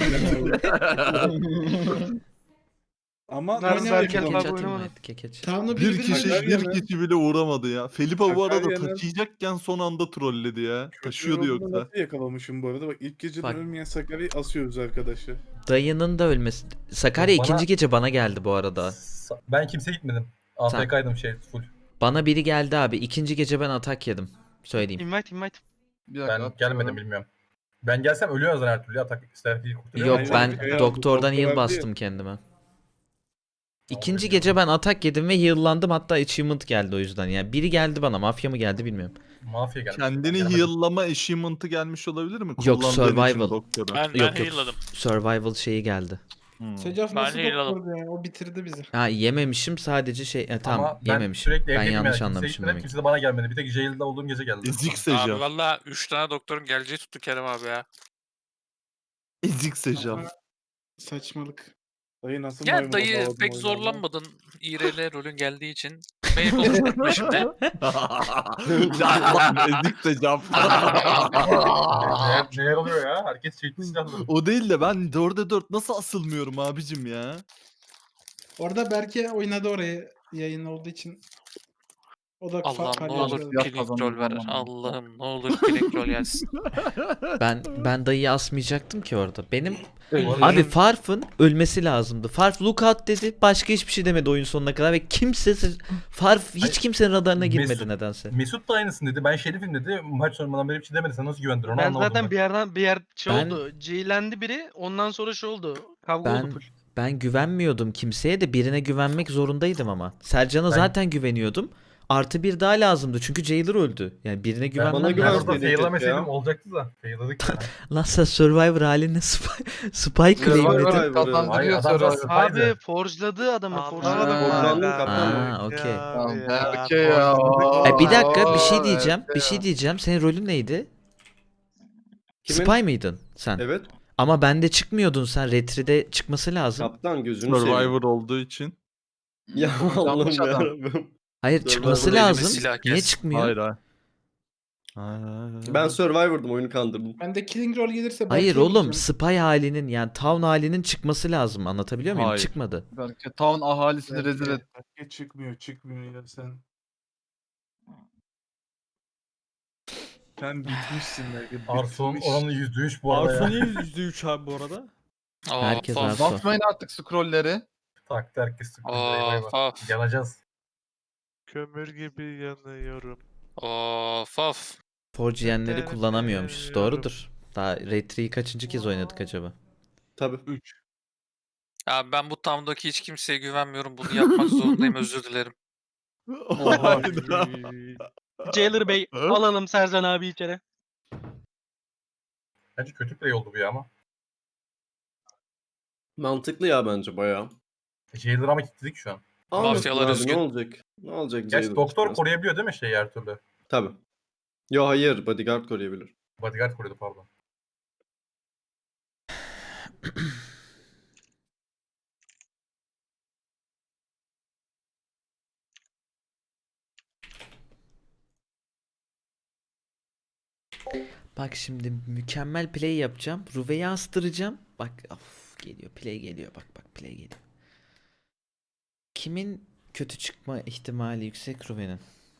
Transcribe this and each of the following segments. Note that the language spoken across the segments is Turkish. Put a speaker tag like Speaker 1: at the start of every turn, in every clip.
Speaker 1: Ama
Speaker 2: Nerede
Speaker 1: nasıl
Speaker 2: Berker
Speaker 1: yakalamış?
Speaker 2: abi
Speaker 3: Kekeç atayım mı?
Speaker 2: oynamadı.
Speaker 3: Kekeç.
Speaker 4: Tamamla
Speaker 5: Bir
Speaker 4: birbirine
Speaker 5: kişi
Speaker 1: Sakarya'nın-
Speaker 5: bir kişi bile uğramadı ya. Felipe bu arada
Speaker 1: Sakarya'nın-
Speaker 5: taşıyacakken son anda trolledi ya.
Speaker 1: Kötü
Speaker 5: Taşıyordu
Speaker 1: yolunu
Speaker 5: yoksa.
Speaker 1: nasıl yakalamışım bu arada? Bak ilk geceden
Speaker 3: Bak.
Speaker 1: ölmeyen Sakarya'yı asıyoruz arkadaşı.
Speaker 3: Dayının da ölmesi. Sakarya
Speaker 6: Bana-
Speaker 3: ikinci gece bana geldi bu arada.
Speaker 6: Ben kimseye gitmedim. AFK'ydım full.
Speaker 3: Bana biri geldi abi. İkinci gece ben atak yedim. Söyleyeyim.
Speaker 2: Invite.
Speaker 7: Bir dakika,
Speaker 6: Ben gelmedim bilmiyorum. Ben gelsem ölüyor zaten her türlü. Atak Sterfi'yi kurtarıyor.
Speaker 3: Yok
Speaker 1: Hayır,
Speaker 3: ben
Speaker 1: hayır,
Speaker 3: doktordan
Speaker 1: doktor
Speaker 3: heal
Speaker 1: verdi
Speaker 3: bastım
Speaker 1: ya.
Speaker 3: kendime. İkinci gece ben atak yedim ve heal'landım, hatta achievement geldi o yüzden. Yani biri geldi bana, mafya mı geldi bilmiyorum.
Speaker 6: Mafya gelmiş.
Speaker 5: Kendini
Speaker 6: Gelmedim.
Speaker 5: heal'lama achievement'ı gelmiş olabilir mi?
Speaker 3: Yok,
Speaker 5: Kullandığın için
Speaker 3: survival.
Speaker 5: doktora.
Speaker 8: Ben
Speaker 3: Yok.
Speaker 8: heal'ladım.
Speaker 3: Survival şeyi geldi.
Speaker 4: Secaf
Speaker 8: Ben
Speaker 4: nasıl
Speaker 8: heal'ladım.
Speaker 4: doktordu ya? O bitirdi bizi.
Speaker 3: Ha yememişim sadece şey tamam
Speaker 6: Ama ben
Speaker 3: yememişim.
Speaker 6: sürekli
Speaker 3: Ben
Speaker 6: evdeydim
Speaker 3: yanlış
Speaker 6: yani. Kimse
Speaker 3: anlamışım
Speaker 6: gitmedi,
Speaker 3: demek.
Speaker 6: Kimse de bana gelmedi. Bir tek jail'da olduğum gece geldi.
Speaker 5: Ezik
Speaker 8: Abi
Speaker 5: Secaf.
Speaker 8: valla 3 tane doktorun geleceği tuttu Kerem abi ya.
Speaker 5: Ezik Secaf.
Speaker 4: Saçmalık.
Speaker 1: Dayı nasıl
Speaker 8: Ya
Speaker 1: maymuna
Speaker 8: dayı
Speaker 1: bağladın
Speaker 8: pek
Speaker 1: oyunu
Speaker 8: zorlanmadın İRL rolün geldiği için. Beni konuşturma şimdi.
Speaker 5: Ezik Secaf.
Speaker 6: Neler oluyor ya? Herkes çekti silahları.
Speaker 5: O değil de ben 4'e 4 nasıl asılmıyorum abicim ya?
Speaker 4: Orada Berke oynadı orayı yayın olduğu için. O da
Speaker 8: Allah'ım ne
Speaker 4: palyaço
Speaker 8: olur
Speaker 4: oldu.
Speaker 8: killing roll ver. Allah'ım ne olur killing roll gelsin.
Speaker 3: Ben dayıyı asmayacaktım ki orada. Benim
Speaker 6: arada-
Speaker 3: abi Farf'ın ölmesi lazımdı. Farf lookout dedi. Başka hiçbir şey demedi oyun sonuna kadar ve Farf hiç kimsenin radarına girmedi
Speaker 6: Mesut-
Speaker 3: nedense.
Speaker 6: Mesut da aynısın dedi. Ben şerifim dedi. Maç sonundan beri bir şey demedi. Sen nasıl güvendin onu
Speaker 2: Ben
Speaker 6: anlamadım.
Speaker 2: zaten bir yer şey
Speaker 3: Ben-
Speaker 2: oldu. C'lendi biri. Ondan sonra şey oldu. Kavga oldu
Speaker 3: Ben
Speaker 2: full.
Speaker 3: ben güvenmiyordum kimseye de, birine güvenmek zorundaydım ama. Sercan'a
Speaker 6: Ben-
Speaker 3: zaten güveniyordum. Artı bir daha lazımdı çünkü Jailer öldü. Yani birine
Speaker 6: Ben
Speaker 3: güvenmem
Speaker 6: orada
Speaker 3: lazım.
Speaker 6: fail'lameseydim
Speaker 9: ya.
Speaker 6: olacaktı da. Fail'ladık ya.
Speaker 3: Lan sen Survivor haline spy claimledin.
Speaker 6: Hayır,
Speaker 7: Kazandırıyor
Speaker 6: adam
Speaker 7: Survivor.
Speaker 6: zaten
Speaker 2: Abi
Speaker 6: spy'dı.
Speaker 2: forjladı adamı.
Speaker 7: Aa,
Speaker 2: Forjladı.
Speaker 9: Borçlandın
Speaker 3: Aa,
Speaker 9: kaptan.
Speaker 3: okey.
Speaker 7: Tamam, Berke ya.
Speaker 3: Bir dakika bir şey
Speaker 7: Aa,
Speaker 3: diyeceğim.
Speaker 7: Berke
Speaker 3: Bir şey
Speaker 7: ya.
Speaker 3: diyeceğim. Senin rolün neydi?
Speaker 9: Kimin?
Speaker 3: Spy mıydın sen?
Speaker 9: Evet.
Speaker 3: Ama bende çıkmıyordun sen. Retri'de çıkması lazım.
Speaker 9: Kaptan gözünü seveyim.
Speaker 5: Survivor olduğu için.
Speaker 9: Ya Allah'ım
Speaker 7: Yanlış adam.
Speaker 9: yarabbim.
Speaker 3: Hayır
Speaker 9: Survivor
Speaker 3: çıkması
Speaker 8: elime
Speaker 3: lazım.
Speaker 8: silah
Speaker 3: Niye
Speaker 8: kes.
Speaker 3: çıkmıyor?
Speaker 5: Hayır hayır. Hayır.
Speaker 9: Ben Survivor'dım, oyunu kandırdım.
Speaker 4: Ben de Killing Roll gelirse
Speaker 3: Hayır
Speaker 4: Berke'ye
Speaker 3: oğlum,
Speaker 4: gideceğim.
Speaker 3: spy halinin yani town halinin çıkması lazım. Anlatabiliyor muyum?
Speaker 5: Hayır.
Speaker 3: Çıkmadı.
Speaker 7: Berke town ahalisini rezil et.
Speaker 1: Berke çıkmıyor ya sen. Sen bitmişsin belki.
Speaker 6: Arson
Speaker 1: bitmiş.
Speaker 6: oranı %3 bu arada
Speaker 10: Arson
Speaker 6: ya.
Speaker 10: niye %3 abi bu arada?
Speaker 3: Herkes
Speaker 8: Of,
Speaker 3: Arson.
Speaker 7: Basmayın artık scrollleri.
Speaker 6: Taktı herkes sıkıntı.
Speaker 8: of.
Speaker 6: Yanacağız.
Speaker 10: Kömür gibi yanıyorum.
Speaker 8: Of.
Speaker 3: Forgeyenleri kullanamıyormuşuz.
Speaker 10: Bilmiyorum.
Speaker 3: Doğrudur. Daha Retri'yi kaçıncı kez oynadık acaba?
Speaker 9: Tabii.
Speaker 1: 3.
Speaker 8: Ya ben bu tamdaki hiç kimseye güvenmiyorum. Bunu yapmak zorundayım, özür dilerim.
Speaker 2: Jailer Bey alalım Sercan abi içeri.
Speaker 6: Bence kötü play oldu bu ya ama.
Speaker 9: Mantıklı ya bence bayağı.
Speaker 6: Jailer'ı ama kilitledik şu an.
Speaker 8: Mafyalar
Speaker 9: Abi,
Speaker 8: üzgün.
Speaker 9: ne olacak? Ne olacak?
Speaker 6: Gerçi
Speaker 9: Jailer
Speaker 6: doktor
Speaker 9: çıkmaz.
Speaker 6: koruyabiliyor değil mi her türlü?
Speaker 9: Tabii. Yo hayır, bodyguard koruyabilir.
Speaker 6: Bodyguard koruyordu pardon.
Speaker 3: Bak şimdi mükemmel play yapacağım. Ruve'yi astıracağım. Bak of, geliyor play geliyor. Bak play geliyor. Kimin kötü çıkma ihtimali yüksek Ruve'nin?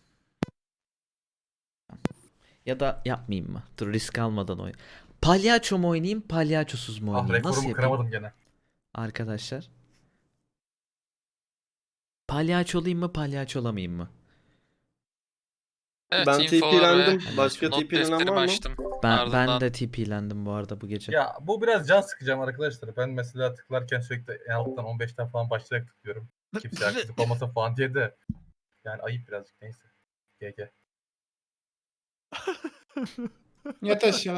Speaker 3: Ya da yapmayayım mı? Dur risk almadan oyn. Palyaço mu oynayayım, palyaçosuz mu
Speaker 6: Ah
Speaker 3: oynayayım? Nasıl
Speaker 6: rekorumu
Speaker 3: yapayım?
Speaker 6: kıramadım gene.
Speaker 3: Arkadaşlar. Palyaço olayım mı, palyaço olamayayım mı?
Speaker 8: Evet,
Speaker 9: Ben
Speaker 8: infolar
Speaker 9: TP'lendim.
Speaker 8: ve
Speaker 9: Başka
Speaker 8: not
Speaker 9: TP'lenen
Speaker 8: defterimi
Speaker 9: var mı?
Speaker 8: açtım.
Speaker 3: Ben
Speaker 8: Ardından-
Speaker 3: de TP'lendim bu arada bu gece.
Speaker 6: Ya bu biraz can sıkacağım arkadaşlar. Ben mesela tıklarken sürekli en alttan 15'ten falan başlayarak tıklıyorum. Kimse haksızlık olmasın falan diye de. Yani ayıp birazcık neyse. GG.
Speaker 4: Yat aşağı.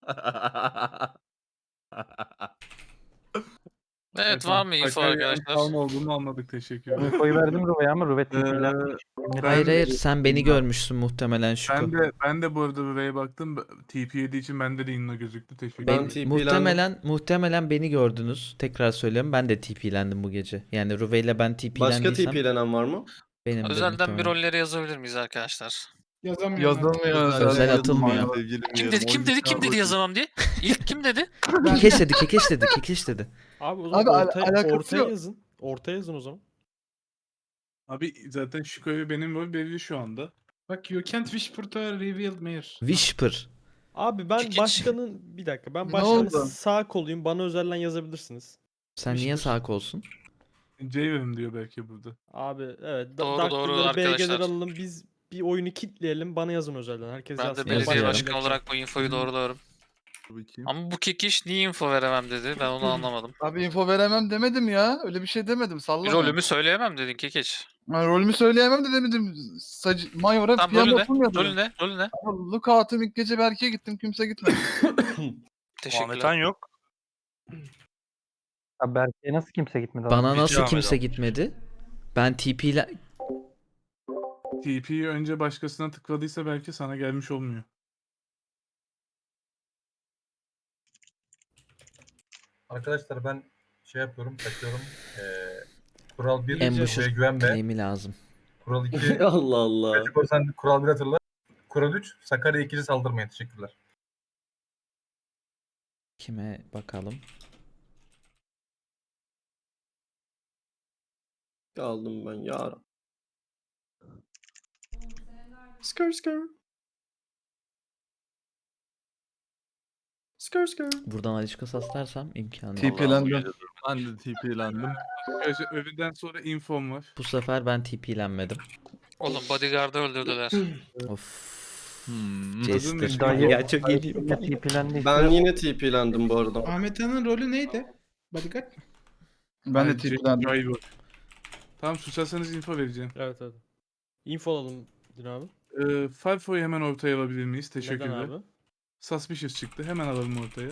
Speaker 8: Evet, var mı info arkadaşlar?
Speaker 1: Kalma olduğunu anladık, teşekkür ederim.
Speaker 11: Infoyu verdim Ruve'ye ama Ruve
Speaker 3: Hayır sen beni görmüşsün muhtemelen şu.
Speaker 1: Ben de bu arada buraya baktım. TP yediği için bende de inno gözüktü. Teşekkür
Speaker 9: Ben
Speaker 1: ederim.
Speaker 9: TP'lendim.
Speaker 3: Muhtemelen beni gördünüz. Tekrar söylüyorum, ben de TP'lendim bu gece. Yani Ruve ile ben
Speaker 9: Başka
Speaker 3: TP'lendiysem
Speaker 9: TP'lenen var mı?
Speaker 3: benim de
Speaker 8: Özelden bir
Speaker 3: muhtemelen.
Speaker 8: rolleri yazabilir miyiz arkadaşlar?
Speaker 4: Yazamıyorum.
Speaker 7: Yazılmıyor.
Speaker 3: Özel atılmıyor.
Speaker 8: Kim dedi kim dedi yazamam diye? İlk kim dedi?
Speaker 3: Kekeş dedi, kekeş dedi, kekeş dedi.
Speaker 10: Abi o
Speaker 5: Abi,
Speaker 10: zaman
Speaker 5: alakası
Speaker 10: ortaya
Speaker 5: yok.
Speaker 10: yazın. Ortaya yazın o zaman.
Speaker 1: Abi zaten Şiko'yu benim rol belli şu anda.
Speaker 4: Bak you can't whisper to a revealed mayor.
Speaker 3: Whisper.
Speaker 10: Abi ben
Speaker 8: Kekeç.
Speaker 10: başkanın bir dakika ben
Speaker 5: Ne
Speaker 10: başkanın
Speaker 5: oldu?
Speaker 10: sağ koluyum. Bana özelden yazabilirsiniz.
Speaker 3: Sen niye sağ kolsun?
Speaker 1: Javen diyor belki burada.
Speaker 10: Abi evet.
Speaker 8: Doğru,
Speaker 10: Daktileri,
Speaker 8: doğru
Speaker 10: BG'leri
Speaker 8: arkadaşlar.
Speaker 10: alalım. Biz bir oyunu kitleyelim. Bana yazın özelden. Herkes
Speaker 8: Ben de
Speaker 10: yazsın.
Speaker 8: belediye
Speaker 3: Yazıyorum.
Speaker 8: başkanı olarak bu infoyu doğrularım. Ama bu kekiş niye info veremem dedi. Ben onu anlamadım.
Speaker 7: Abi info veremem demedim ya. Öyle bir şey demedim. Sallama.
Speaker 8: Rolümü söyleyemem dedin kekeç.
Speaker 7: Ha, rolümü söyleyemem de demedim. Mayora
Speaker 8: Tamam
Speaker 7: PM
Speaker 8: rolü ne?
Speaker 7: yapılmıyordu.
Speaker 8: Rolü ne? Rolü ne?
Speaker 7: Ama Lookout'um ilk gece Berke'ye gittim. Kimse gitmedi.
Speaker 8: Teşekkürler.
Speaker 10: yok.
Speaker 2: Abi Berke'ye nasıl kimse gitmedi?
Speaker 3: Bana nasıl
Speaker 10: Ahmet
Speaker 3: kimse
Speaker 10: almış.
Speaker 3: gitmedi? Ben TP ile
Speaker 1: TP'yi önce başkasına tıkladıysa belki sana gelmiş olmuyor.
Speaker 6: Arkadaşlar ben şey yapıyorum, kaçıyorum. Kural 1
Speaker 3: Ambusher
Speaker 6: buraya güvenme.
Speaker 3: claim'i lazım.
Speaker 6: Kural 2
Speaker 9: Allah Allah.
Speaker 6: sen kural 1 hatırla. Kural 3 Sakarya 2'ci saldırmayın. Teşekkürler.
Speaker 3: Kime bakalım?
Speaker 9: Kaldım ben ya. Skr skr. Skr skr.
Speaker 3: Buradan Alişka saslarsam imkanı yok.
Speaker 7: TP'lendim.
Speaker 5: Ben de TP'lendim.
Speaker 1: Arkadaşlar öbürden sonra infom var.
Speaker 3: Bu sefer ben TP'lenmedim.
Speaker 8: Oğlum bodyguard'ı öldürdüler.
Speaker 3: Of.
Speaker 5: Hmm.
Speaker 3: Jester.
Speaker 4: Dayı-
Speaker 3: Ya çok iyi.
Speaker 9: Ben yine TP'lendim bu arada.
Speaker 4: Ahmet Han'ın rolü neydi? Bodyguard mı?
Speaker 7: Ben de
Speaker 1: Ay,
Speaker 7: TP'lendim.
Speaker 1: Driver. Tamam susarsanız info vereceğim.
Speaker 10: Evet evet. Info alalım Din abi.
Speaker 1: Farfo'yu hemen ortaya alabilir miyiz?
Speaker 10: Neden
Speaker 1: Teşekkürler.
Speaker 10: abi?
Speaker 1: Suspicious çıktı. Hemen alalım ortaya.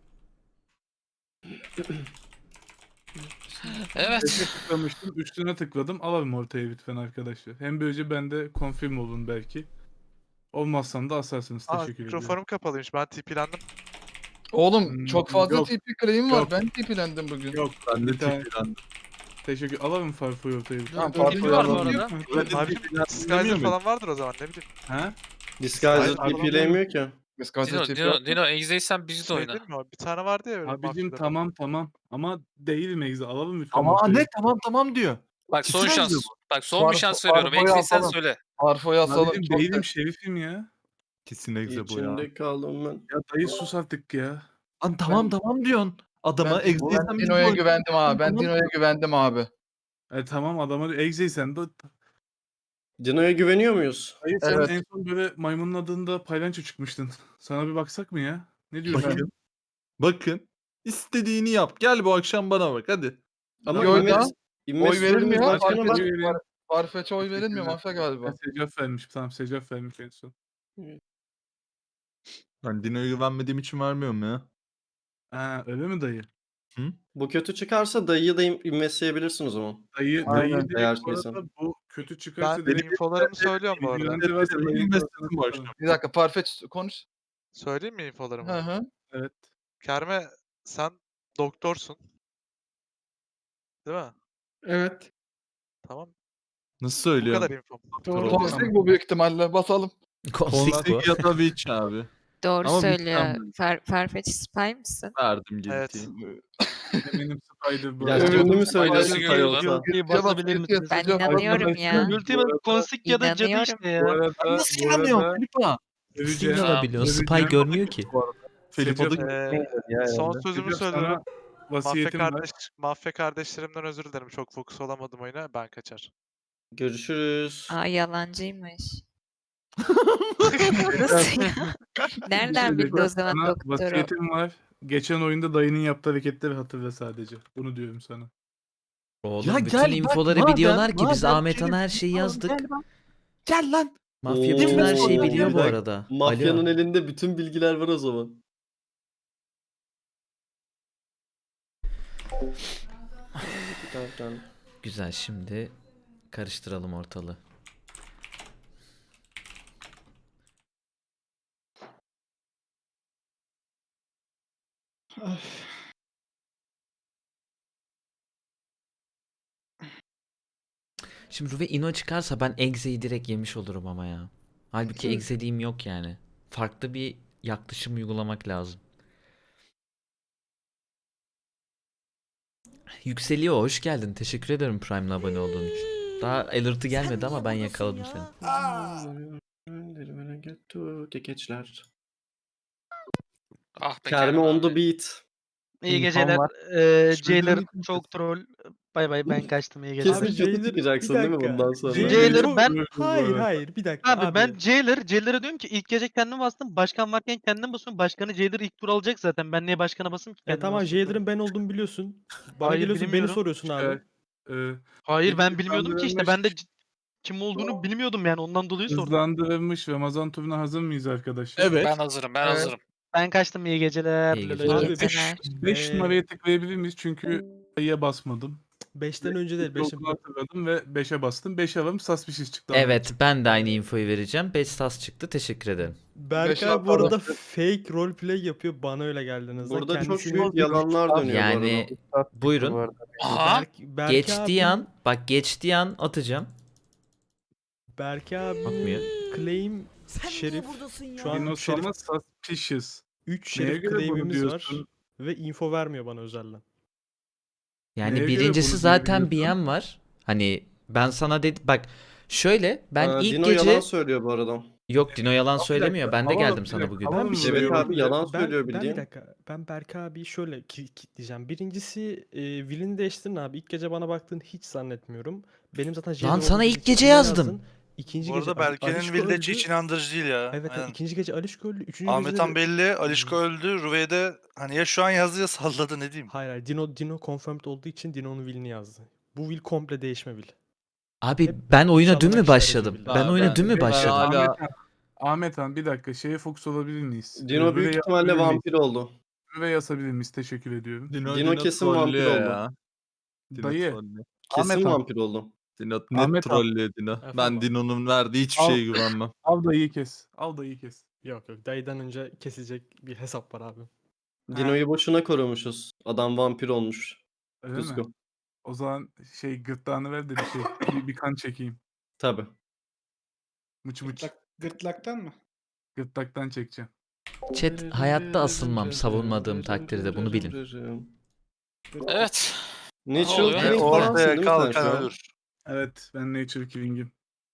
Speaker 8: Evet.
Speaker 1: Tıklamıştım. Üstüne tıkladım. Alalım ortaya lütfen arkadaşlar. Hem böylece ben de confirm olun belki. Olmazsam da asarsınız. Teşekkür ediyorum.
Speaker 10: Mikrofonum kapalıymış. Ben TP'lendim.
Speaker 7: Oğlum çok fazla
Speaker 1: Yok.
Speaker 7: TP claim var.
Speaker 1: Yok.
Speaker 7: Ben TP'lendim bugün.
Speaker 1: Yok.
Speaker 5: Ben de
Speaker 1: Bir tane-
Speaker 5: TP'lendim.
Speaker 1: Teşekkür. Alalım Farfo'yu ortaya lütfen.
Speaker 7: Tamam,
Speaker 8: Dördüncü
Speaker 7: Farfo'yu
Speaker 8: var bu
Speaker 7: alalım.
Speaker 8: arada.
Speaker 1: Yok mu?
Speaker 5: Ben de TP'lendim.
Speaker 10: falan vardır o zaman ne bileyim.
Speaker 1: Ha?
Speaker 9: Disguiser
Speaker 1: Hayır,
Speaker 9: TP'leyemiyor ki.
Speaker 7: Biz kaç
Speaker 8: Dino,
Speaker 7: TP
Speaker 8: Dino, Dino egzeysen bizi de
Speaker 10: Şey
Speaker 8: oyna.
Speaker 10: değil mi o? Bir tane vardı ya öyle
Speaker 1: Abicim
Speaker 10: mafyaların.
Speaker 1: tamam. Ama değil Megze. Alalım lütfen
Speaker 5: Ama
Speaker 1: ortaya.
Speaker 5: ne tamam diyor.
Speaker 8: Bak son
Speaker 5: Kesin
Speaker 8: şans.
Speaker 5: yazıyor
Speaker 8: Bak son bir
Speaker 7: Farfo-
Speaker 8: şans veriyorum.
Speaker 7: Farfo'yu
Speaker 8: Egzeysen
Speaker 7: asalım.
Speaker 8: söyle.
Speaker 7: Harfo'yu asalım.
Speaker 1: Abicim
Speaker 7: Çok
Speaker 1: değilim
Speaker 7: da-
Speaker 1: şerifim ya.
Speaker 5: Kesin egze bu ya.
Speaker 9: İçinde kaldım ben.
Speaker 1: Ya dayı sus artık ya.
Speaker 5: Lan tamam diyorsun. Adama
Speaker 7: Ben
Speaker 5: egzeysen biz
Speaker 7: Dino'ya
Speaker 5: de
Speaker 7: güvendim abi. Ben
Speaker 5: Tamam.
Speaker 7: Dino'ya güvendim abi.
Speaker 1: Tamam adama egzeysen de
Speaker 9: Dino'ya güveniyor muyuz?
Speaker 1: dayı sen
Speaker 7: Evet.
Speaker 1: en son böyle maymunun adında paylanço çıkmıştın. Sana bir baksak mı ya? Ne diyorsun?
Speaker 5: Bakın. İstediğini yap. Gel bu akşam bana bak hadi.
Speaker 9: Ama
Speaker 7: Yo,
Speaker 9: İmmet,
Speaker 7: oy
Speaker 9: İmmet
Speaker 7: verilmiyor.
Speaker 9: başkana
Speaker 7: Farfetch'e
Speaker 9: bak.
Speaker 1: Vereyim.
Speaker 7: Farfetch'e oy verilmiyor
Speaker 1: Teşekkürler.
Speaker 7: mafya galiba.
Speaker 1: Secaf vermiş. Tamam Secaf vermiş en son.
Speaker 5: Ben Dino'ya güvenmediğim için vermiyorum ya.
Speaker 1: Ha öyle mi dayı?
Speaker 9: Bu kötü çıkarsa dayıyı da immetleyebilirsin o zaman.
Speaker 1: Dayı
Speaker 7: Aynen,
Speaker 1: direkt
Speaker 9: eğer
Speaker 1: bu arada
Speaker 9: şeysen.
Speaker 1: bu kötü çıkarsa
Speaker 10: Ben
Speaker 1: direkt
Speaker 10: infolarımı söylüyorum bu arada.
Speaker 1: bilgilerinde varsa
Speaker 5: Benim
Speaker 1: dayının
Speaker 5: mesleğim
Speaker 1: kafasına
Speaker 5: bu
Speaker 1: tutalım.
Speaker 7: Bir dakika Farfetch konuş.
Speaker 10: Söyleyeyim mi infolarımı?
Speaker 7: Hı hı.
Speaker 1: Evet.
Speaker 10: Kerme sen doktorsun. Değil mi?
Speaker 4: Evet.
Speaker 10: Tamam.
Speaker 5: Nasıl
Speaker 10: Bu
Speaker 5: söylüyorum?
Speaker 10: kadar infom.
Speaker 4: Doğru.
Speaker 7: Toxic bu büyük ihtimalle. Basalım.
Speaker 3: Konsik bu.
Speaker 5: Konsik ya da Witch abi.
Speaker 11: Doğru
Speaker 5: Ama
Speaker 11: söylüyor.
Speaker 5: mükemmel.
Speaker 11: Farfetch spy mısın?
Speaker 5: Verdim
Speaker 10: Evet.
Speaker 5: guilty'yi.
Speaker 1: Eminim Spider bu.
Speaker 9: Ya
Speaker 7: Evet.
Speaker 9: ünlü mü
Speaker 8: Faydası
Speaker 9: söylüyorsun
Speaker 8: görüyorlar.
Speaker 9: Toyota?
Speaker 2: Ultiyi basabilir misiniz?
Speaker 11: Ben
Speaker 7: Sıcak-
Speaker 11: inanıyorum ya.
Speaker 2: Ultimate Konsik ya da cadı
Speaker 11: İnanıyorum.
Speaker 2: işte ya.
Speaker 1: Bu arada,
Speaker 5: Nasıl
Speaker 1: bu arada
Speaker 5: inanıyorsun Filipa?
Speaker 1: öveceğim.
Speaker 3: Kim alabiliyorsun? Spy
Speaker 1: Öveceğim.
Speaker 3: görmüyor ki.
Speaker 5: Filipa da
Speaker 10: Son sözümü
Speaker 1: Secaf,
Speaker 10: söylüyorum.
Speaker 1: sana vasiyetim var.
Speaker 10: Mafya kardeşlerimden özür dilerim. Çok fokus olamadım oyuna. Ben kaçar.
Speaker 9: Görüşürüz.
Speaker 11: Aa yalancıymış. Nasıl ya? Nereden bildi o zaman
Speaker 1: Sana
Speaker 11: doktoru?
Speaker 1: vasiyetim var. Geçen oyunda dayının yaptığı hareketleri hatırla sadece. Bunu diyorum sana.
Speaker 3: Oğlum
Speaker 5: Ya
Speaker 3: bütün
Speaker 5: gel bak,
Speaker 3: infoları
Speaker 5: madem-
Speaker 3: biliyorlar ki biz
Speaker 5: madem
Speaker 3: Ahmet Han'a her şeyi
Speaker 5: Tamam,
Speaker 3: yazdık.
Speaker 5: Gel lan. Gel lan.
Speaker 3: Mafya
Speaker 9: Oo,
Speaker 3: bütün her şeyi
Speaker 5: bir
Speaker 3: biliyor bu
Speaker 9: dakika.
Speaker 3: arada.
Speaker 9: Mafyanın
Speaker 3: Alo.
Speaker 9: elinde bütün bilgiler var o zaman.
Speaker 3: Güzel şimdi karıştıralım ortalığı.
Speaker 4: Of.
Speaker 3: Şimdi Ruve Ino çıkarsa ben Exe'yi direkt yemiş olurum ama ya. Halbuki egzeliğim yok yani. Farklı bir yaklaşım uygulamak lazım. Yükseliyor, hoş geldin. Teşekkür ederim Prime'la abone olduğun için. Daha alert'ı gelmedi ama ben yakaladım seni.
Speaker 9: Kekeçler.
Speaker 8: Ah be
Speaker 9: Kermi
Speaker 8: Kerem
Speaker 9: on the
Speaker 8: abi.
Speaker 9: beat.
Speaker 2: İyi
Speaker 1: İnfom
Speaker 2: geceler.
Speaker 1: var.
Speaker 2: Jailer
Speaker 1: Şüphelerini
Speaker 2: çok troll. Bay bay ben kaçtım iyi geceler.
Speaker 9: Kesin kötü çıkacaksın değil mi bundan sonra?
Speaker 2: Jailer ben
Speaker 1: Hayır.
Speaker 3: bir dakika
Speaker 2: abi ben Jailer'a diyorum ki ilk gece kendim bastım. Başkan varken kendim basıyorum. Başkanı Jailer ilk tur alacak zaten. Ben niye başkana basayım ki kendim
Speaker 12: Tamam
Speaker 2: basayım?
Speaker 12: Jailer'ın ben olduğumu biliyorsun. Bana
Speaker 2: Hayır,
Speaker 12: geliyorsun beni
Speaker 2: bilmiyorum.
Speaker 12: soruyorsun abi.
Speaker 2: Hayır ben
Speaker 1: Gece
Speaker 2: bilmiyordum ki işte. Ben de kim olduğunu bilmiyordum yani ondan dolayı sordum.
Speaker 1: Hızlandırılmış Ramazan turuna hazır mıyız arkadaşlar?
Speaker 5: Evet.
Speaker 8: Ben hazırım ben
Speaker 2: Evet.
Speaker 8: hazırım.
Speaker 2: Ben kaçtım iyi geceler.
Speaker 3: İyi
Speaker 2: Lolo.
Speaker 3: geceler.
Speaker 12: Abi,
Speaker 11: İyi geceler.
Speaker 1: 5 numaraya tıklayabilir miyiz? Çünkü ayıya basmadım.
Speaker 12: 5'ten önce değil.
Speaker 1: Dokunu hatırladım ve 5'e bastım. 5 alalım suspicious çıktı.
Speaker 3: Evet, ben de aynı infoyu vereceğim. 5 sas çıktı. Teşekkür ederim.
Speaker 12: Berkay bu arada fake roleplay yapıyor. Bana öyle geldi en azından.
Speaker 9: Burada çok
Speaker 12: Kendisini-
Speaker 9: büyük yalanlar dönüyor bu
Speaker 3: Yani
Speaker 9: arada.
Speaker 3: buyurun.
Speaker 8: Aha.
Speaker 12: Berkay
Speaker 3: Geçtiği
Speaker 12: abi-
Speaker 3: an, bak geçtiği an atacağım.
Speaker 12: Berkay abi
Speaker 3: Atmıyor.
Speaker 12: claim Şerif. Şu an
Speaker 1: Dinoz
Speaker 12: Şerif
Speaker 1: ama suspicious.
Speaker 12: 3
Speaker 1: Neye
Speaker 12: Şerif
Speaker 1: göre bunu
Speaker 12: claim'imiz var.
Speaker 1: diyorsun?
Speaker 12: Ve info vermiyor bana özelden.
Speaker 3: Yani
Speaker 1: Neye göre
Speaker 3: birincisi
Speaker 1: bunu
Speaker 3: zaten
Speaker 1: diyebiliyorsun?
Speaker 3: BM var. Hani ben sana dedim bak şöyle ben ilk
Speaker 9: Dino
Speaker 3: gece
Speaker 9: yalan söylüyor bu arada.
Speaker 3: yok Dino yalan
Speaker 1: Bir
Speaker 3: söylemiyor.
Speaker 1: dakika,
Speaker 3: Ben de
Speaker 1: alalım,
Speaker 3: geldim
Speaker 1: bir
Speaker 3: sana
Speaker 1: dakika,
Speaker 3: bugün.
Speaker 1: alalım
Speaker 12: Ben bir
Speaker 1: mı?
Speaker 12: şey
Speaker 9: Evet
Speaker 1: Böyle
Speaker 9: abi yalan söylüyor
Speaker 12: Ben
Speaker 9: bildiğin.
Speaker 12: bir dakika. Ben Berkay abi şöyle diyeceğim. Birincisi Will'ini değiştirin abi. İlk gece bana baktığını hiç zannetmiyorum. Benim zaten Jailer
Speaker 3: Lan sana
Speaker 12: olduğum
Speaker 3: ilk
Speaker 12: için
Speaker 3: gece
Speaker 12: ona
Speaker 3: yazdım.
Speaker 12: yazdın. İkinci
Speaker 10: Bu
Speaker 12: gece
Speaker 10: arada Berke'nin
Speaker 12: Alişko
Speaker 10: Village
Speaker 12: öldü.
Speaker 10: hiç inandırıcı değil ya.
Speaker 12: Evet,
Speaker 10: Aynen.
Speaker 12: ikinci gece Alişko öldü. Üçüncü
Speaker 10: Ahmet
Speaker 12: gece
Speaker 10: Han belli, Alişko öldü. Rüve'de hani ya şu an yazdı ya salladı ne diyeyim.
Speaker 12: Hayır. Dino confirmed olduğu için Dino'nun will'ini yazdı. Bu will komple değişme will.
Speaker 3: Abi
Speaker 12: Hep
Speaker 3: ben oyuna
Speaker 12: inşallah
Speaker 3: dün mü
Speaker 12: işler
Speaker 3: başladım?
Speaker 12: acı
Speaker 3: Ben oyuna dün mü
Speaker 5: ben
Speaker 3: başladım?
Speaker 5: hala-
Speaker 1: Ahmet Han bir dakika şeye fokus olabilir miyiz?
Speaker 9: Dino büyük ihtimalle vampir oldu.
Speaker 1: Ve yazabilir miyiz? Teşekkür ediyorum.
Speaker 9: Dino kesin vampir
Speaker 5: trollüyor
Speaker 9: oldu.
Speaker 5: ya. Dino
Speaker 1: Dayı.
Speaker 5: trollüyor.
Speaker 9: Kesin
Speaker 1: Ahmet Han.
Speaker 9: vampir oldu.
Speaker 5: Dino net
Speaker 1: Ahmet Han.
Speaker 5: trollüyor Dino.
Speaker 12: Efendim
Speaker 5: Ben
Speaker 12: abi?
Speaker 5: Dino'nun verdiği hiçbir
Speaker 1: Al.
Speaker 5: şeye güvenmem.
Speaker 1: Al dayıyı kes. Al dayıyı kes.
Speaker 12: Yok dayıdan önce kesilecek bir hesap var abi.
Speaker 9: Dino'yu boşuna korumuşuz. Adam vampir olmuş.
Speaker 1: Öyle mi?
Speaker 9: Kuzgun.
Speaker 1: O zaman gırtlağını ver de bir kan çekeyim.
Speaker 9: Tabi.
Speaker 1: Mıç mıç.
Speaker 4: Gırtlaktan mı?
Speaker 1: Gırtlaktan çekeceğim.
Speaker 3: Chat hayatta asılmam savunmadığım takdirde bunu bilin.
Speaker 8: Evet.
Speaker 9: Natural
Speaker 8: oluyor?
Speaker 9: killing falansın
Speaker 10: Ortaya
Speaker 9: değil mi sen şu
Speaker 10: kalkan
Speaker 9: an?
Speaker 10: ölür.
Speaker 1: Evet ben Nature Killing'im.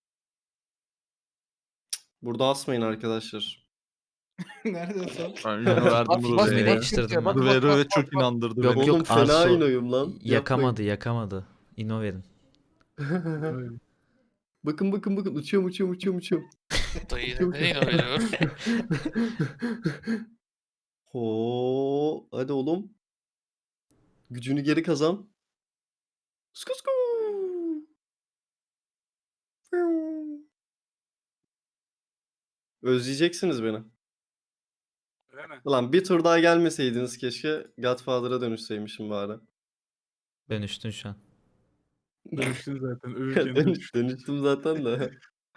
Speaker 9: Burada asmayın arkadaşlar.
Speaker 4: Nerede son?
Speaker 5: Ben yine verdim
Speaker 3: İzmir'e
Speaker 5: Rüve'ye.
Speaker 3: değiştirdim ben.
Speaker 5: Rüve çok inandırdı
Speaker 3: Yok,
Speaker 5: beni.
Speaker 3: yok.
Speaker 9: Oğlum fena
Speaker 3: Arso
Speaker 9: inoyum lan.
Speaker 3: Yakamadı. İno verin.
Speaker 9: Yapmayın. bakın uçuyorum.
Speaker 8: Dayı neyin oluyor?
Speaker 9: Ho, hadi oğlum. Gücünü geri kazan. Sku. Özleyeceksiniz beni.
Speaker 1: Öyle mi?
Speaker 9: Ulan bir tur daha gelmeseydiniz keşke Godfather'a dönüşseymişim bari.
Speaker 3: Dönüştün şu an.
Speaker 1: Dönüştün zaten. Ölürken dönüştün.
Speaker 9: Dönüştüm zaten de.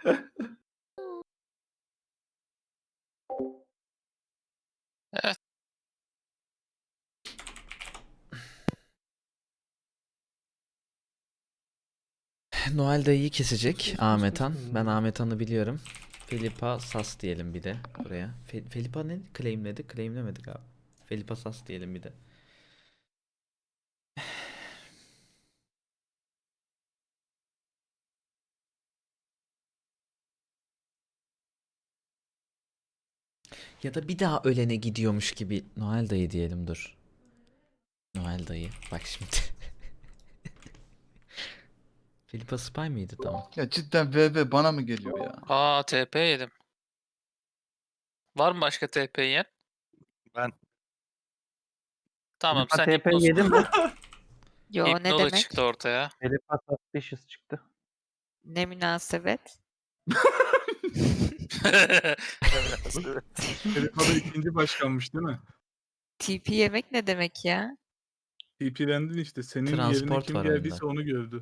Speaker 3: Noel dayıyı kesecek Ahmet Han. Ben Ahmet Han'ı biliyorum. Felipa Sas diyelim bir de buraya. Felipa ne claimledi? Claimlemedik abi. Felipa Sas diyelim bir de. Ya da bir daha ölene gidiyormuş gibi Noel dayı diyelim dur. Noel dayı. Bak şimdi. Felipa Spy mıydı? Tamam.
Speaker 7: Ya cidden VV bana mı geliyor ya?
Speaker 8: Aa TP yedim. Var mı başka TP yiyen?
Speaker 10: Ben.
Speaker 8: Tamam sen
Speaker 2: TP
Speaker 8: hipnoz.
Speaker 2: yedim mi?
Speaker 11: Yo ne
Speaker 8: Hipnoza
Speaker 11: demek?
Speaker 8: çıktı ortaya.
Speaker 2: Felipa suspicious çıktı.
Speaker 11: Ne münasebet?
Speaker 1: Telefada ikinci başkanmış değil mi?
Speaker 11: TP yemek ne demek ya?
Speaker 1: TP'lendin işte. Senin yerine
Speaker 3: Transport
Speaker 1: kim
Speaker 3: var
Speaker 1: geldiyse
Speaker 3: oyunda.
Speaker 1: onu gördü.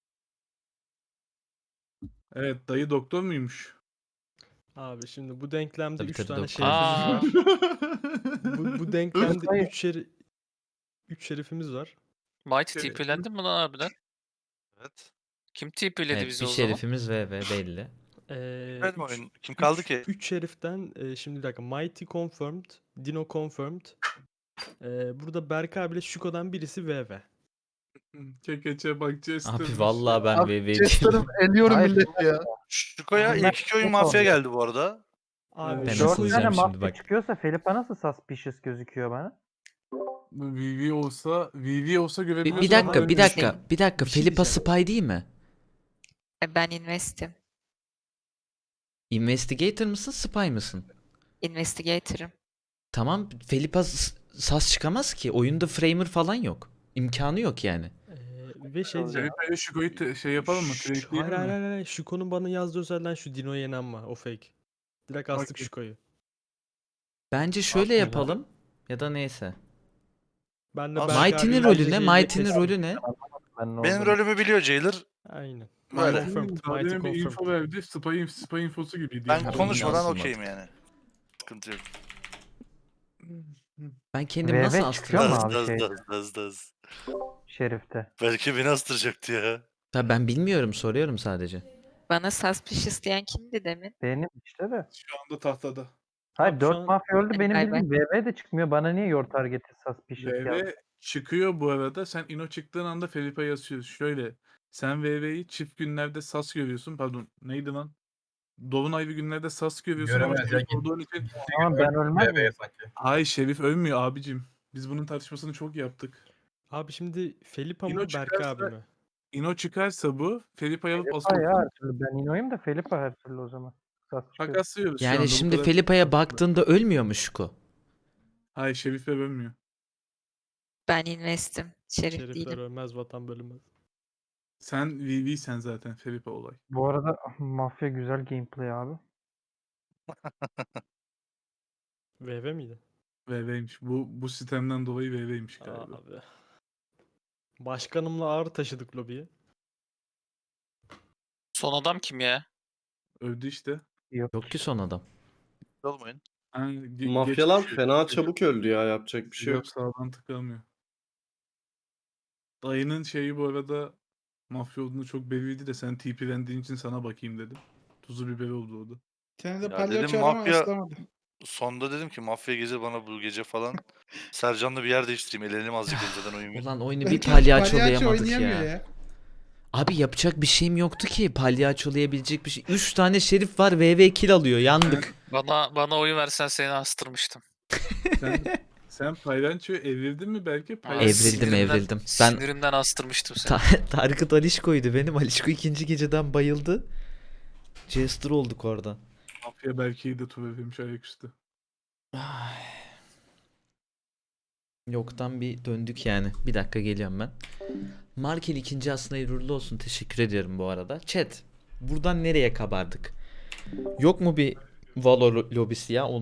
Speaker 1: Evet dayı doktor muymuş?
Speaker 12: Abi şimdi bu denklemde
Speaker 3: Tabii,
Speaker 12: 3
Speaker 3: tabii,
Speaker 12: tane
Speaker 3: doktor.
Speaker 12: şerifimiz
Speaker 8: Aa.
Speaker 12: var. Bu denklemde 3 şerifimiz var.
Speaker 8: Mighty
Speaker 1: Evet.
Speaker 8: TP'lendin mi lan harbiden?
Speaker 10: Evet.
Speaker 8: Kim TP'ledi
Speaker 3: Evet
Speaker 8: bizi
Speaker 3: bir
Speaker 8: o zaman?
Speaker 3: şerifimiz VV belli.
Speaker 12: Kim kaldı ki? 3 şeriften şimdi bir dakika. Mighty confirmed, Dino confirmed. Burada Berk abiyle Şuko'dan birisi VV.
Speaker 1: Kekeçe bak Jester.
Speaker 3: Abi vallahi ben
Speaker 7: Abi
Speaker 3: VV
Speaker 7: Chester'ım eliyorum
Speaker 9: Hayır.
Speaker 7: milleti ya.
Speaker 12: Şuko'ya ilk iki oyun mafya geldi bu arada. Abi
Speaker 3: Ben
Speaker 12: Şuko'yu-
Speaker 3: asılacağım şimdi bak.
Speaker 2: çıkıyorsa Felipe nasıl suspicious gözüküyor bana?
Speaker 1: VV olsa görebiliyorsun
Speaker 3: Bir
Speaker 1: ama
Speaker 3: dakika, bir
Speaker 1: ölmüyor.
Speaker 3: dakika, bir dakika.
Speaker 12: Bir şey
Speaker 3: Felipa
Speaker 12: diyeceğim.
Speaker 3: spy değil mi?
Speaker 11: Ben investim.
Speaker 3: Investigator mısın, spy mısın?
Speaker 11: Investigator'ım.
Speaker 3: Tamam, Felipa sas çıkamaz ki. Oyunda framer falan yok. İmkanı yok yani.
Speaker 12: Ve şey diyeceğim.
Speaker 1: Felipe'yle Şuko'yu şey yapalım mı?
Speaker 12: Hayır
Speaker 1: Trade'leyelim
Speaker 12: hayır
Speaker 1: mi?
Speaker 12: hayır. Şuko'nun bana yazdığı özelden şu Dino yenen var. O fake. Direkt astık
Speaker 1: Okey.
Speaker 12: Şuko'yu.
Speaker 3: Bence şöyle
Speaker 12: Aslında-
Speaker 3: yapalım. Ya da neyse.
Speaker 12: Ben de
Speaker 3: Mighty'nin rolü ne? Mighty'nin rolü ne?
Speaker 2: Benim rolümü biliyor Jailer.
Speaker 12: Aynen.
Speaker 2: Böyle.
Speaker 12: Confirmed.
Speaker 1: Daha
Speaker 12: Mighty
Speaker 1: demin bir info
Speaker 12: confirmed.
Speaker 1: verdi. Spy infosu gibiydi.
Speaker 3: Ben
Speaker 1: yani.
Speaker 3: konuşmadan
Speaker 2: Konuşmadan
Speaker 3: okeyim
Speaker 2: okeyim yani. Sıkıntı yok.
Speaker 3: Ben kendimi nasıl astırıyorum?
Speaker 2: Daz. Şerif'te.
Speaker 10: Belki beni astıracaktı ya.
Speaker 3: Tabii ben bilmiyorum, soruyorum sadece.
Speaker 11: Bana suspicious diyen kimdi demin?
Speaker 2: Benim işte de.
Speaker 1: Şu anda tahtada.
Speaker 12: Hayır, 4
Speaker 2: mafya öldü.
Speaker 11: Benim Bay bay. bildiğim
Speaker 2: VV de çıkmıyor. Bana niye your target'i suspicious
Speaker 1: VV çıkıyor bu arada. Sen Ino çıktığın anda Felipe yazıyorsun. Şöyle. Sen VV'yi çift günlerde sas görüyorsun. Pardon neydi lan? Dolunaylı günlerde sas görüyorsun ama
Speaker 6: Göremez ya,
Speaker 1: Şerif olduğun için.
Speaker 2: Ama ben ölmez
Speaker 6: BB'ye
Speaker 2: miyim?
Speaker 6: sanki.
Speaker 1: Hayır Şerif ölmüyor abicim. Biz bunun tartışmasını çok yaptık.
Speaker 12: Abi şimdi Felipa
Speaker 1: Dino
Speaker 12: mı Berk
Speaker 1: çıkarsa-
Speaker 12: abi mi?
Speaker 1: Ino çıkarsa bu Felipa'yı alıp
Speaker 2: Felipe
Speaker 1: asıl
Speaker 2: ya her türlü. Ben Ino'yum da Felipe her türlü o zaman.
Speaker 1: takaslıyoruz şu
Speaker 3: Yani
Speaker 1: anda, bu
Speaker 3: şimdi
Speaker 1: kadar-
Speaker 3: Felipa'ya baktığında ölmüyor mu Şuko?
Speaker 1: Hayır Şerif ölmüyor.
Speaker 11: Ben investim. Şerif
Speaker 12: Şerifler
Speaker 11: değilim.
Speaker 12: ölmez, vatan bölünmez.
Speaker 1: Sen VV sen zaten Felipe olay.
Speaker 2: Bu arada mafya güzel gameplay abi.
Speaker 12: VV miydi?
Speaker 1: VV'ymiş. Bu sistemden dolayı VV'ymiş galiba.
Speaker 12: Abi. Başkanımla ağır taşıdık lobiye.
Speaker 8: Son adam kim ya?
Speaker 1: Öldü işte.
Speaker 3: Yok ki son adam.
Speaker 10: Olmayın.
Speaker 1: Ha,
Speaker 9: Mafyalar
Speaker 1: geçmiş.
Speaker 9: fena çabuk öldü ya, yapacak bir şey yok.
Speaker 1: Yok sağdan tıklamıyor. Dayının şeyi bu arada mafya olduğunu çok belliydi de sen TP verdiğin için sana bakayım dedim. Tuzu biberi oldu o da.
Speaker 4: Bir tane de
Speaker 10: Ya
Speaker 4: palyaço
Speaker 10: dedim,
Speaker 4: var ama
Speaker 10: mafya-
Speaker 4: aslamadı.
Speaker 10: Sonda dedim ki mafya gelir bana bu gece falan. Sercan'la bir yer değiştireyim. Elenim azıcık önceden oyun bir.
Speaker 3: Ulan oyunu bir
Speaker 4: Belki
Speaker 3: palyaçolayamadık
Speaker 4: oynayamıyor
Speaker 3: ya. Abi yapacak bir şeyim yoktu ki. Palyaçolayabilecek bir şey. 3 tane şerif var, VV kill alıyor. Yandık.
Speaker 8: Bana oyu versen seni astırmıştım.
Speaker 1: Sen Paylanço'yu evirdin mi belki?
Speaker 3: Evrildim. Ben
Speaker 8: Sinirimden astırmıştım seni.
Speaker 3: Tarık'ı Alişko'ydu benim. Alişko ikinci geceden bayıldı. Jester olduk orada.
Speaker 1: Mafya belki de tuvebilmiş ayaküstü.
Speaker 3: Yoktan bir döndük yani. Bir dakika geliyorum ben. Markel ikinci aslında hayırlı olsun. Teşekkür ediyorum bu arada. Chat. Buradan nereye kabardık? Yok mu bir Valo lobisi ya?